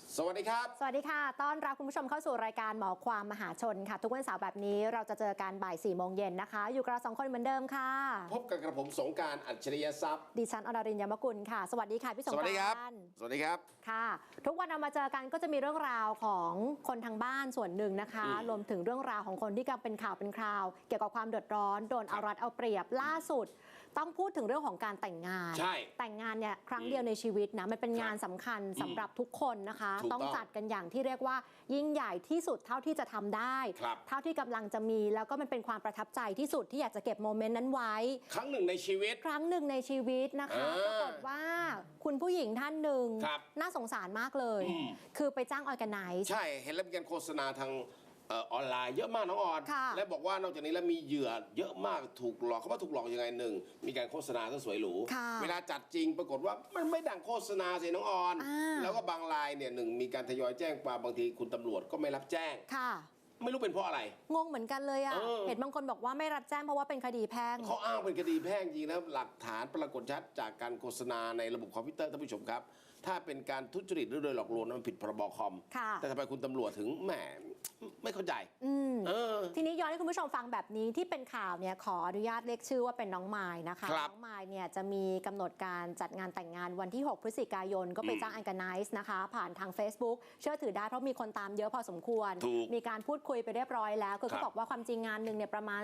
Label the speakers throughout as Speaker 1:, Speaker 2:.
Speaker 1: สวัสดีครับ
Speaker 2: สวัสดีค่ะต้อนรับคุณผู้ชมเข้าสู่รายการหมอความมหาชนค่ะทุกวันเสาร์แบบนี้เราจะเจอกันบ่าย 4 โมงเย็นนะคะอยู่กับเรา2 คนเหมือนเดิมค่ะ
Speaker 1: พบกันกับผมสงกรานต์อัจฉริยทรัพย์
Speaker 2: ดิฉันอรรินทร์ยมกุลค่ะสวัสดีค่ะพี่สงกรานต์
Speaker 1: สวัสดีครับสวัสดีครับ
Speaker 2: ค่ะทุกวันเรามาเจอกันก็จะมีเรื่องราวของคนทางบ้านส่วนหนึ่งนะคะรวมถึงเรื่องราวของคนที่กำลังเป็นข่าวเป็นคราวเกี่ยวกับความเดือดร้อนโดนเอารัดเอาเปรียบล่าสุดต้องพูดถึงเรื่องของการแต่งงาน
Speaker 1: ใช่
Speaker 2: แต่งงานเนี่ยครั้งเดียวในชีวิตนะมันเป็นงานสำคัญสำหรับทุกคนนะคะต้องจัดกันอย่างที่เรียกว่ายิ่งใหญ่ที่สุดเท่าที่จะทำได้เท่าที่กำลังจะมีแล้วก็มันเป็นความประทับใจที่สุดที่อยากจะเก็บโมเมนต์นั้นไว้
Speaker 1: ครั้งหนึ่งในชีวิต
Speaker 2: นะคะปรากฏว่าคุณผู้หญิงท่านหนึ่งน่าสงสารมากเลยคือไปจ้างออร์แกไนซ์
Speaker 1: ใช่เห็นแล้วมีการโฆษณาทางออนไลน์เยอะมากน้องออนและบอกว่านอกจากนี้แล้วมีเหยื่อเยอะมากถูกหลอกเขาว่าถูกหลอกยังไงหนึ่งมีการโฆษณาที่สวยหรูเวลาจัดจริงปรากฏว่ามันไม่ดังโฆษณาสิน้องออนแล้วก็บางรายเนี่ยหนึ่งมีการทยอยแจ้งความบางทีคุณตำรวจก็ไม่รับแจ้งไม่รู้เป็นเพราะอะไร
Speaker 2: งงเหมือนกันเลยอ่ะเห็นบางคนบอกว่าไม่รับแจ้งเพราะว่าเป็นคดีแพ่ง
Speaker 1: เขาอ้างเป็นคดีแพ่งจริงแล้วหลักฐานปรากฏชัดจากการโฆษณาในระบบคอมพิวเตอร์ท่านผู้ชมครับถ้าเป็นการทุจริตหรือโดยหลอกลวงนั้นมันผิดพรบคอมแต่ทำไมคุณตำรวจถึงแหมไม่เข้าใจ
Speaker 2: ทีนี้ย้อนให้คุณผู้ชมฟังแบบนี้ที่เป็นข่าวเนี่ยขออนุญาตเรียกชื่อว่าเป็นน้องมายนะคะน้องมายเนี่ยจะมีกำหนดการจัดงานแต่งงานวันที่6 พฤศจิกายนก็ไปจ้างออร์แกไนซ์นะคะผ่านทาง Facebook เชื่อถือได้เพราะมีคนตามเยอะพอสมควรมีการพูดคุยไปเรียบร้อยแล้วคือเขาบอกว่าความจริงงานหนึ่งเนี่ยประมาณ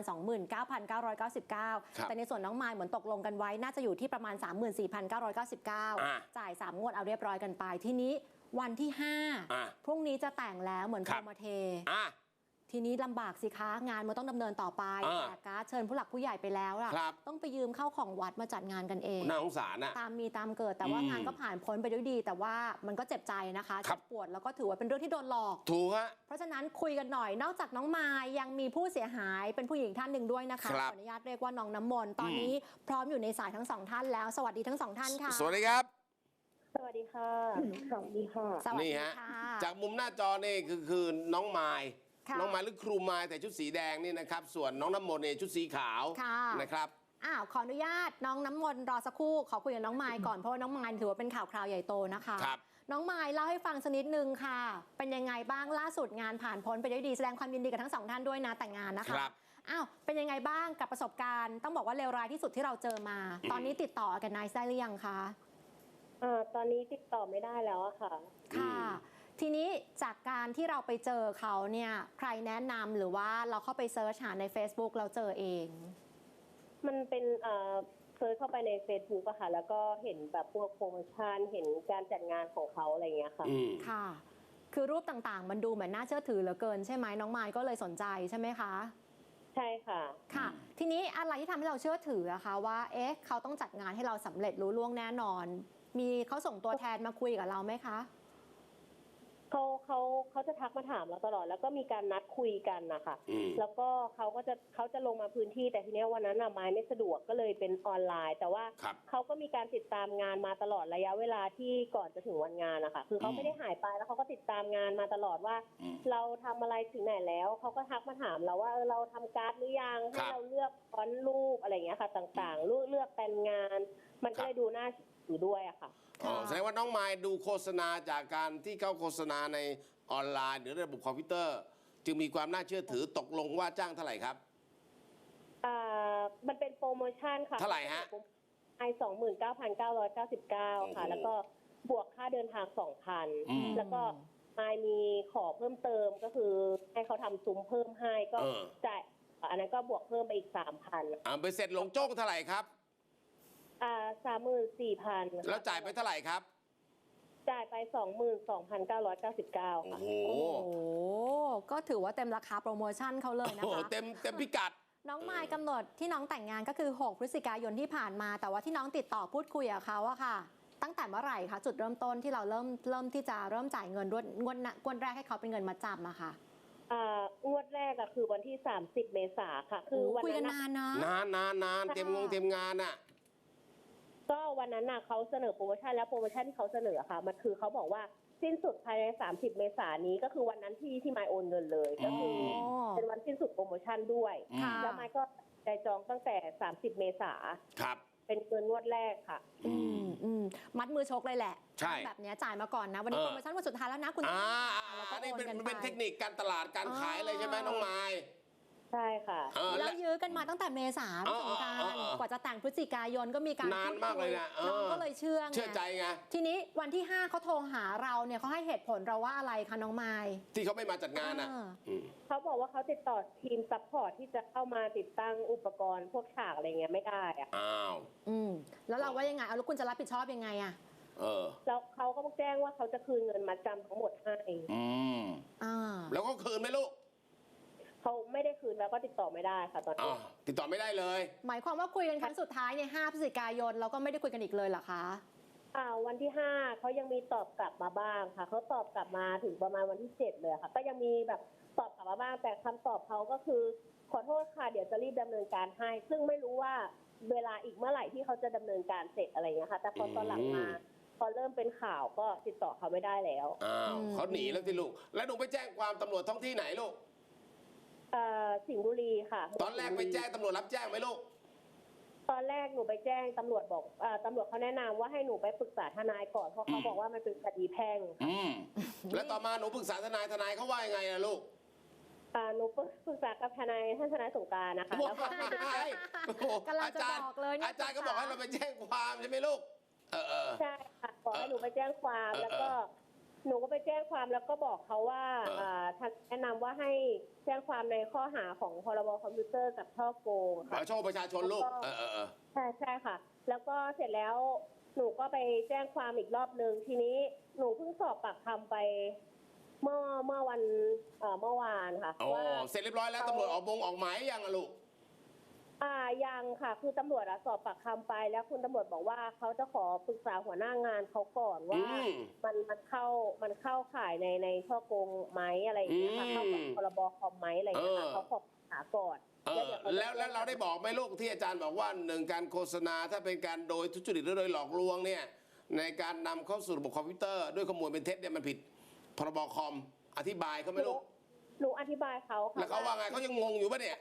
Speaker 2: 29,999 แต่ในส่วนน้องมายเหมือนตกลงกันไว้น่าจะอยู่ที่ประมาณ 34,999 จ่าย3 งวดเอาเรียบร้อยกันไปทีนี้วันที่5พรุ่งนี้จะแต่งแล้วเหมือนโปรโมเททีนี้ลำบากสิคะงานมันต้องดำเนินต่อไปแต่การเชิญผู้หลักผู้ใหญ่ไปแล้วล่ะต้องไปยืมเข้าของวัดมาจัดงานกันเอง
Speaker 1: น่าสงสารนะ
Speaker 2: ตามมีตามเกิดแต่ว่างานก็ผ่านพ้นไปด้วยดีแต่ว่ามันก็เจ็บใจนะคะเจ็บปวดแล้วก็ถือว่าเป็นเรื่องที่โดนหลอก
Speaker 1: ถูกฮะ
Speaker 2: เพราะฉะนั้นคุยกันหน่อยนอกจากน้องมายยังมีผู้เสียหายเป็นผู้หญิงท่านหนึ่งด้วยนะคะขออนุญาตเรียกว่าน้องน้ำมนต์ตอนนี้พร้อมอยู่ในสายทั้ง2 ท่านแล้วสวัสดีทั้ง2 ท่านค่ะ
Speaker 1: สวัสดีครับ
Speaker 3: สวัสดีค่ะสวัสดีค่ะ
Speaker 1: นี่ฮะจากมุมหน้าจอนี่คือน้องมายน้องมายหรือครูมายแต่ชุดสีแดงนี่นะครับส่วนน้องน้ำมนต์เนี่ยชุดสีขาวนะครับ
Speaker 2: ขออนุญาตน้องน้ำมนต์รอสักครู่ขอคุยกับน้องมายก่อนเพราะว่าน้องมายถือว่าเป็นข่าวคราวใหญ่โตนะคะน้องมายเล่าให้ฟังสักนิดนึงค่ะเป็นยังไงบ้างล่าสุดงานผ่านพ้นไปด้วยดีแสดงความยินดีกับทั้ง2 ท่านด้วยนะแต่งงานนะคะเป็นยังไงบ้างกับประสบการณ์ต้องบอกว่าเลวร้ายที่สุดที่เราเจอมาตอนนี้ติดต่อกันนายได้หรือยังคะ
Speaker 3: ตอนนี้ติดต่อไม่ได้แล้วค่ะ
Speaker 2: ทีนี้จากการที่เราไปเจอเขาเนี่ยใครแนะนำหรือว่าเราเข้าไปเซิร์ชหาใน Facebook เราเจอเอง
Speaker 3: มันเป็นเซิร์ชเข้าไปใน Facebook อะค่ะแล้วก็เห็นแบบพวกโปรโมชั่นเห็นการจัดงานของเขาอะไรเงี้ยค่ะ
Speaker 2: ค่ะคือรูปต่างๆมันดูเหมือนน่าเชื่อถือเหลือเกินใช่ไหมน้องมายก็เลยสนใจใช่ไหมคะ
Speaker 3: ใช่ค่ะ
Speaker 2: ค่ะทีนี้อะไรที่ทำให้เราเชื่อถืออะคะว่าเขาต้องจัดงานให้เราสำเร็จรู้ล่วงแน่นอนมีเขาส่งตัวแทนมาคุยกับเราไหมคะ
Speaker 3: เขาจะทักมาถามเราตลอดแล้วก็มีการนัดคุยกันนะคะแล้วก็เขาจะลงมาพื้นที่แต่ทีนี้วันนั้นไม้ไม่สะดวกก็เลยเป็นออนไลน์แต่ว่าเขาก็มีการติดตามงานมาตลอดระยะเวลาที่ก่อนจะถึงวันงานนะคะคือเขาไม่ได้หายไปแล้วเขาก็ติดตามงานมาตลอดว่าเราทำอะไรถึงไหนแล้วเขาก็ทักมาถามเราว่าเราทำการ์ดหรือยังให้เราเลือกฟอนต์รูปอะไรอย่างเงี้ยค่ะต่างๆเลือกแต่งงานมันก็เลยดูน่าอยู่ด้วยอะค่ะ
Speaker 1: แสดงว่าน้องมายดูโฆษณาจากการที่เขาโฆษณาในออนไลน์หรือระบบคอมพิวเตอร์จึงมีความน่าเชื่อถือตกลงว่าจ้างเท่าไหร่ครับ
Speaker 3: มันเป็นโปรโมชั่นค่ะ
Speaker 1: เท่าไหร่ฮะ
Speaker 3: 29,999 ค่ะแล้วก็บวกค่าเดินทาง 2,000 แล้วก็มายมีขอเพิ่มเติมก็คือให้เขาทำซุ้มเพิ่มให้ก็จ่ายอันนั้นก็บวกเพิ่มไปอีก 3,000
Speaker 1: ไปเสร็จลงโจ้งเท่าไหร่ครับ
Speaker 3: 34,000
Speaker 1: แล้วจ่ายไปเท่าไหร่ครับ
Speaker 3: จ่ายไป 22,999 ค่ะ
Speaker 2: โอ้โหก็ถือว่าเต็มราคาโปรโมชั่นเขาเลยนะคะ
Speaker 1: เต็มพิกัด
Speaker 2: น้องมายกำหนดที่น้องแต่งงานก็คือ6 พฤศจิกายนที่ผ่านมาแต่ว่าที่น้องติดต่อพูดคุยกับเขาอะค่ะตั้งแต่เมื่อไหร่คะจุดเริ่มต้นที่เราเริ่มที่จะเริ่มจ่ายเงินงวดแรกให้เขาเป็นเงินมัดจำอะค่ะ
Speaker 3: งวดแรกอะคือวันที่30 เมษาค่ะคือวัน
Speaker 2: นั้นนานนะ
Speaker 1: นานเต็มงานอะ
Speaker 3: ก็วันนั้นน่ะเขาเสนอโปรโมชั่นแล้วโปรโมชั่นที่เขาเสนอค่ะมันคือเขาบอกว่าสิ้นสุดภายใน30 เมษายนนี้ก็คือวันนั้นที่มายโอนเงินเลยก็คือเป็นวันสิ้นสุดโปรโมชั่นด้วยแล้วมายก็ได้จองตั้งแต่30 เมษายนเป็นเงินงวดแรกค่ะ
Speaker 2: มัดมือชกเลยแหละ
Speaker 1: ใช่
Speaker 2: แบบเนี้ยจ่ายมาก่อนนะวันนี้โปรโมชั่นวันสุดท้ายแล้วนะคุณแล้วก็
Speaker 1: นี่
Speaker 2: โอน
Speaker 1: เป็น
Speaker 2: กันไป
Speaker 1: เป็นเทคนิคการตลาดการขายเลยใช่ไหมน้องไม้
Speaker 3: ใช่ค่ะ
Speaker 2: แล้วยื้อกันมาตั้งแต่เมษาพี่สงกรานต์กว่าจะแต่งพฤศจิกายนก็มีการ
Speaker 1: นานมากเลยนะ
Speaker 2: น้องก็เลยเชื่อ
Speaker 1: ใจไง
Speaker 2: ทีนี้วันที่ 5เขาโทรหาเราเนี่ยเขาให้เหตุผลเราว่าอะไรคะน้องไมล์
Speaker 1: ที่เขาไม่มาจัดงานอ่ะ
Speaker 3: เขาบอกว่าเขาติดต่อทีมซัพพอร์ตที่จะเข้ามาติดตั้งอุปกรณ์พวกฉากอะไรเงี้ยไม่ได้อะ
Speaker 1: อ้าว
Speaker 2: แล้วเราว่ายังไงเอาแล้วคุณจะรับผิดชอบยังไงอะ
Speaker 3: แล้วเขาก็แจ้งว่าเขาจะคืนเงินมัดจำทั้งหมดให้
Speaker 1: แล้วก็คืนไหมลูก
Speaker 3: เขาไม่ได้คืนแล้วก็ติดต่อไม่ได้ค่ะตอนนี้
Speaker 1: ติดต่อไม่ได้เลย
Speaker 2: หมายความว่าคุยกันครั้งสุดท้ายเนี่ย5 พฤศจิกายนแล้วก็ไม่ได้คุยกันอีกเลยเหรอคะ
Speaker 3: วันที่5เขายังมีตอบกลับมาบ้างค่ะเขาตอบกลับมาถึงประมาณวันที่7เลยค่ะก็ยังมีแบบตอบกลับมาบ้างแต่คำตอบเขาก็คือขอโทษค่ะเดี๋ยวจะรีบดำเนินการให้ซึ่งไม่รู้ว่าเวลาอีกเมื่อไหร่ที่เขาจะดำเนินการเสร็จอะไรเงี้ยค่ะแต่พอตอนหลังมาพอเริ่มเป็นข่าวก็ติดต่อเขาไม่ได้แล้ว
Speaker 1: เขาหนีแล้วที่ลูกแล้วหนูไปแจ้งความตำรวจท้องที่ไหนลูก
Speaker 3: สิงห์บุรีค่ะ
Speaker 1: ตอนแรกไปแจ้งตำรวจรับแจ้งไหมลูก
Speaker 3: ตอนแรกหนูไปแจ้งตำรวจบอกตำรวจเขาแนะนำว่าให้หนูไปปรึกษาทนายก่อนเพราะเขาบอกว่ามันเป็นคดีแพ่ง
Speaker 1: แล้วต่อมาหนูปรึกษาทนายเขาว่ายังไงล่ะลูก
Speaker 3: หนูปรึกษากับท่านทนายสงกรานต์นะคะแล้วก็
Speaker 2: กำลังจะบอกเลยเนี่ย
Speaker 1: อาจารย์ก็บอกให้เราไปแจ้งความใช่ไหมลูก
Speaker 3: ใช่ค่ะบอกให้หนูไปแจ้งความแล้วก็หนูก็ไปแจ้งความแล้วก็บอกเขาว่าท่านแนะนำว่าให้แจ้งความในข้อหาของพรบคอมพิวเตอร์กับช่อโกงค่ะ
Speaker 1: ช่อประชาชนลูก
Speaker 3: ใช่ค่ะแล้วก็เสร็จแล้วหนูก็ไปแจ้งความอีกรอบนึงทีนี้หนูเพิ่งสอบปากคำไปเมื่อวันเมื่อวานค่ะว่า
Speaker 1: เสร็จเรียบร้อยแล้วตำรวจออกหมายยังอะลูก
Speaker 3: ยังค่ะคือตำรวจสอบปากคำไปแล้วคุณตำรวจบอกว่าเขาจะขอปรึกษาหัวหน้างานเขาก่อนว่ามันเข้าข่ายในช่อโกงไหมอะไรอย่างเงี้ยค่ะเข้ากับพรบคอมไหมอะไรอย่างเงี้ยค่ะเขาขอปรึกษาก่อน
Speaker 1: แล้วเราได้บอกไหมลูกที่อาจารย์บอกว่า1การโฆษณาถ้าเป็นการโดยทุจริตหรือโดยหลอกลวงเนี่ยในการนำเข้าสู่ระบบคอมพิวเตอร์ด้วยข้อมูลเป็นเท็จเนี่ยมันผิดพรบคอมอธิบายเขาไหมลูก
Speaker 3: หนูอธิบายเขาค่ะ
Speaker 1: แล้วเขาว่าไงเขายังงงอยู่ปะเนี่ย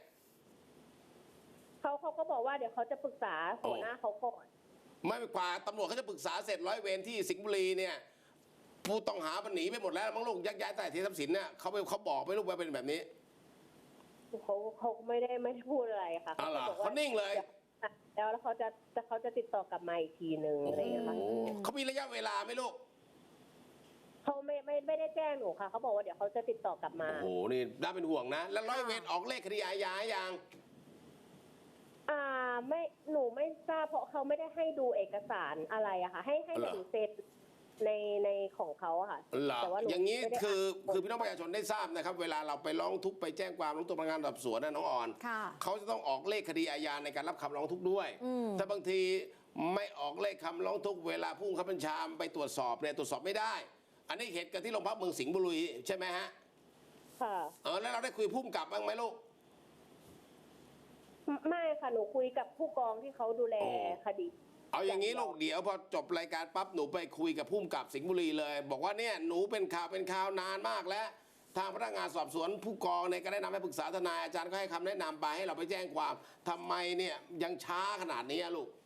Speaker 3: เขาก็บอกว่าเดี๋ยวเขาจะปรึกษาหัวหน้าเขาก่อน
Speaker 1: ไม่กว่าตำรวจเขาจะปรึกษาเสร็จร้อยเวรที่สิงห์บุรีเนี่ยผู้ต้องหามันหนีไปหมดแล้วมั้งลูกยักย้ายแต่ที่ทรัพย์สินเนี่ยเขาบอกไม่ลูกว่าเป็นแบบนี้
Speaker 3: เขาไม่ได้พูดอะไรค่ะ
Speaker 1: เขาบอกว่านิ่งเลย
Speaker 3: แล้วเขาจะติดต่อกลับมาอีกทีนึงอะไรอย่างเงี้ยค่ะ
Speaker 1: เขามีระยะเวลาไหมลูก
Speaker 3: เขาไม่ได้แจ้งหนูค่ะเขาบอกว่าเดี๋ยวเขาจะติดต่อกลับมา
Speaker 1: โอ้โหนี่น่าเป็นห่วงนะแล้วร้อยเวรออกเลขคดีอาญายัง
Speaker 3: ไม่หนูไม่ทราบเพราะเขาไม่ได้ให้ดูเอกสารอะไรอะค่ะให้หนูเซ็นในของเขาอะค่ะ
Speaker 1: แต่ว่าอย่างนี้คือพี่น้องประชาชนได้ทราบนะครับเวลาเราไปร้องทุกข์ไปแจ้งความร้องทุกข์พนักงานสอบสวนนะน้องอ่อนเขาจะต้องออกเลขคดีอาญาในการรับคำร้องทุกข์ด้วยถ้าบางทีไม่ออกเลขคำร้องทุกข์เวลาผู้บังคับบัญชาไปตรวจสอบเนี่ยตรวจสอบไม่ได้อันนี้เหตุการณ์ที่โรงพักเมืองสิงห์บุรีใช่ไหมฮะ
Speaker 3: ค่ะ
Speaker 1: แล้วเราได้คุยผู้กำกับบ้างไหมลูก
Speaker 3: ไม่ค่ะหนูคุยกับผู้กองที่เขาดูแลคดี
Speaker 1: เอาอย่างนี้ลูกเดี๋ยวพอจบรายการปั๊บหนูไปคุยกับผู้กำกับสิงห์บุรีเลยบอกว่าเนี่ยหนูเป็นข่าวนานมากแล้วทางพนักงานสอบสวนผู้กองเนี่ยก็ได้นำให้ปรึกษาทนายอาจารย์ก็ให้คำแนะนำไปให้เราไปแจ้งความทำไมเนี่ยยังช้าขนาดนี้ลูก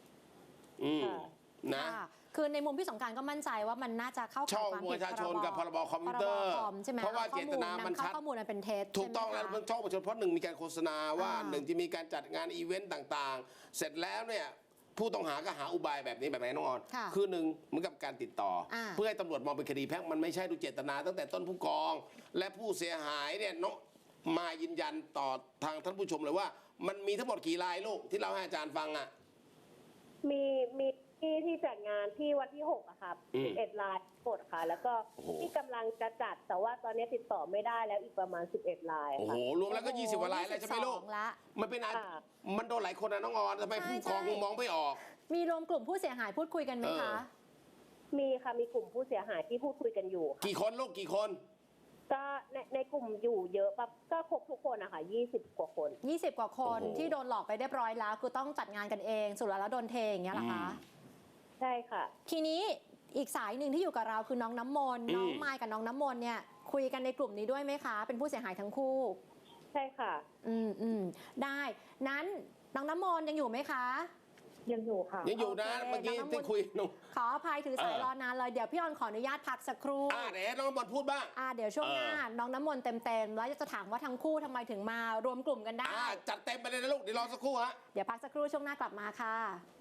Speaker 1: นะ
Speaker 2: คือในมุมพี่สงกรานต์ก็มั่นใจว่ามันน่าจะเข้าข่ายความผิด
Speaker 1: ประชาชนกับพรบคอมพิวเตอร์เพราะว่าเจตนามันชัด
Speaker 2: ข้อมูลมันเป็นเท็จ
Speaker 1: ถูกต้องแล้วมันช่องประชาชนเพราะ1มีการโฆษณาว่า1จะมีการจัดงานอีเวนต์ต่างๆเสร็จแล้วเนี่ยผู้ต้องหาก็หาอุบายแบบนี้แบบไหนน้องออนคือ1เหมือนกับการติดต่อเพื่อให้ตำรวจมองเป็นคดีแพ่งมันไม่ใช่ดูเจตนาตั้งแต่ต้นผู้กองและผู้เสียหายเนี่ยน้องมายืนยันต่อทางท่านผู้ชมเลยว่ามันมีทั้งหมดกี่รายลูกที่เราให้อาจารย์ฟังอ่ะ
Speaker 3: มีที่จัดงานที่วันที่6อะค่ะ11 รายกดค่ะแล้วก็ที่กำลังจะจัดแต่ว่าตอนนี้ติดต่อไม่ได้แล้วอีกประมาณ11 ราย
Speaker 1: โอ้โหรวมแล้วก็20 กว่า รายแล้วใช่ไหมลูกมันเป็นมันโดนหลายคนนะน้องออนทำไมผู้กองมองไม่ออก
Speaker 2: มีรวมกลุ่มผู้เสียหายพูดคุยกันไหมคะ
Speaker 3: มีค่ะมีกลุ่มผู้เสียหายที่พูดคุยกันอยู่
Speaker 1: กี่คนลูกกี่คน
Speaker 3: ก็ในกลุ่มอยู่เยอะปั๊บก็ครบทุกคนนะคะ20 กว่าคน
Speaker 2: 20 กว่าคนที่โดนหลอกไปเรียบร้อยแล้วคือต้องจัดงานกันเองสุดแล้วโดนเทอย่างเงี้ยเหรอคะ
Speaker 3: ใช่ค่ะ
Speaker 2: ทีนี้อีกสายหนึ่งที่อยู่กับเราคือน้องน้ำมนต์น้องไมค์กับน้องน้ำมนต์เนี่ยคุยกันในกลุ่มนี้ด้วยไหมคะเป็นผู้เสียหายทั้งคู่
Speaker 3: ใช่ค่ะ
Speaker 2: ได้นั้นน้องน้ำมนต์ยังอยู่ไหมคะ
Speaker 3: ยังอยู่ค่ะ
Speaker 1: ยังอยู่นะ
Speaker 2: โอเค
Speaker 1: เมื่อกี้
Speaker 2: น้องน้ำมนต์
Speaker 1: ที่คุยหนุ่ม
Speaker 2: ขออภัยถือสายรอนานเลยเดี๋ยวพี่ออนขออนุญาตพักสักครู่
Speaker 1: เดี๋ยวน้องบอลพูดบ้าง
Speaker 2: เดี๋ยวช่วงหน้าน้องน้ำมนต์เต็มๆแล้วจะถามว่าทั้งคู่ทำไมถึงมารวมกลุ่มกันได้
Speaker 1: จัดเต็มไปเลยนะลูกเดี๋ยวรอสักครู่ฮะ
Speaker 2: เดี๋ยวพักสักครู่ช่วงหน้ากลับมาค่ะ